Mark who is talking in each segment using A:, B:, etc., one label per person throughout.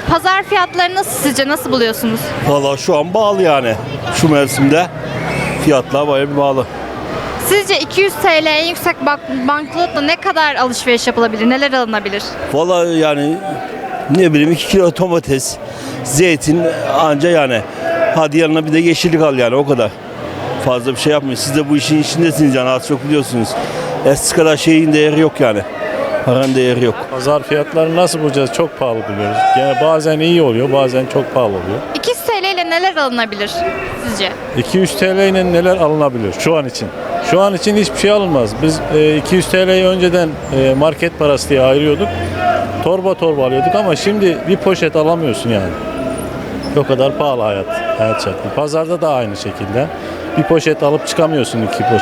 A: Pazar fiyatları nasıl sizce? Nasıl buluyorsunuz?
B: Valla şu an bağlı yani. Şu mevsimde fiyatlar bayağı bir bağlı.
A: Sizce 200 TL en yüksek banknotla ne kadar alışveriş yapılabilir? Neler alınabilir?
B: Valla yani ne bileyim 2 kilo domates, zeytin anca yani. Hadi yanına bir de yeşillik al yani o kadar. Fazla bir şey yapmayın. Siz de bu işin içindesiniz yani az çok biliyorsunuz. Eskisi kadar şeyin değeri yok yani. Paranın değeri yok.
C: Pazar fiyatlarını nasıl bulacağız? Çok pahalı buluyoruz. Yani bazen iyi oluyor, bazen çok pahalı oluyor.
A: 200 TL ile neler alınabilir sizce?
C: 200 TL ile neler alınabilir şu an için? Şu an için hiçbir şey alınmaz. Biz 200 TL'yi önceden market parası diye ayırıyorduk. Torba torba alıyorduk ama şimdi bir poşet alamıyorsun yani. O kadar pahalı hayat şartı. Pazarda da aynı şekilde. Bir poşet alıp çıkamıyorsun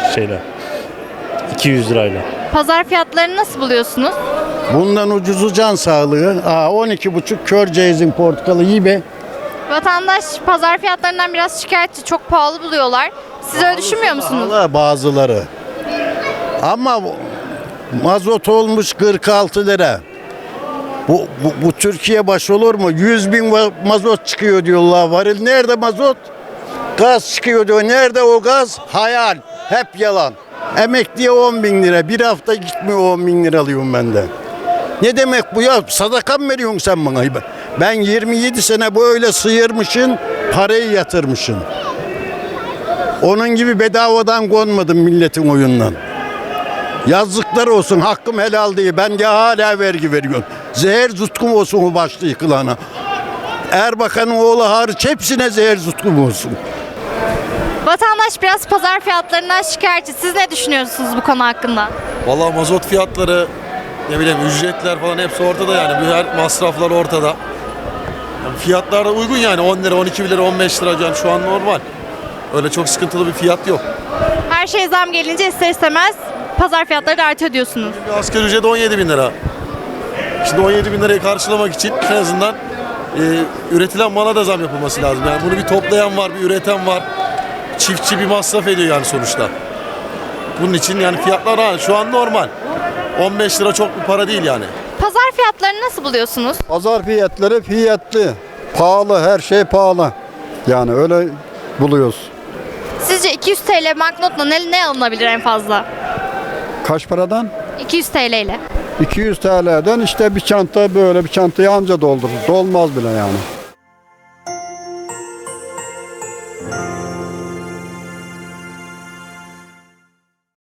C: 200 lirayla.
A: Pazar fiyatlarını nasıl buluyorsunuz?
D: Bundan ucuzu can sağlığı. 12,5 kör ceyizin portakalı iyi be.
A: Vatandaş pazar fiyatlarından biraz şikayetçi, çok pahalı buluyorlar. Siz öyle düşünmüyor musunuz?
D: Pahalı bazıları. Ama mazot olmuş 46 lira. Bu Türkiye baş olur mu? 100 bin mazot çıkıyor diyorlar. Varil nerede mazot? Gaz çıkıyor diyor. Nerede o gaz? Hayal. Hep yalan. Emekliye 10 bin lira. Bir hafta gitmiyor 10 bin lira alıyorum ben de. Ne demek bu ya? Sadaka mı veriyorsun sen bana? Ben 27 sene böyle sıyırmışım, parayı yatırmışım. Onun gibi bedavadan konmadım milletin oyundan. Yazıklar olsun, hakkım helal değil. Ben de hala vergi veriyorum. Zehir zutkum olsun o başta yıkılana. Erbakan'ın oğlu hariç hepsine zehir zutkum olsun.
A: Vatandaş biraz pazar fiyatlarından şikayetçi. Siz ne düşünüyorsunuz bu konu hakkında?
E: Vallahi mazot fiyatları, ne bileyim ücretler falan hepsi ortada yani. Bu her masraflar ortada. Yani fiyatlar da uygun yani 10 lira, 12 lira, 15 lira yani şu an normal. Öyle çok sıkıntılı bir fiyat yok.
A: Her şey zam gelince ister istemez pazar fiyatları da artıyor diyorsunuz.
E: Bir asgari ücret 17 bin lira. Şimdi 17 bin lirayı karşılamak için en azından üretilen mala da zam yapılması lazım. Yani bunu bir toplayan var, bir üreten var. Çiftçi bir masraf ediyor yani sonuçta. Bunun için yani fiyatlar şu an normal. 15 lira çok bir para değil yani.
A: Pazar fiyatlarını nasıl buluyorsunuz?
F: Pazar fiyatları fiyatlı. Pahalı, her şey pahalı. Yani öyle buluyoruz.
A: Sizce 200 TL banknotla ne alınabilir en fazla?
F: Kaç paradan?
A: 200 TL ile.
F: 200 TL'den işte bir çanta böyle bir çantayı anca doldurur. Dolmaz bile yani.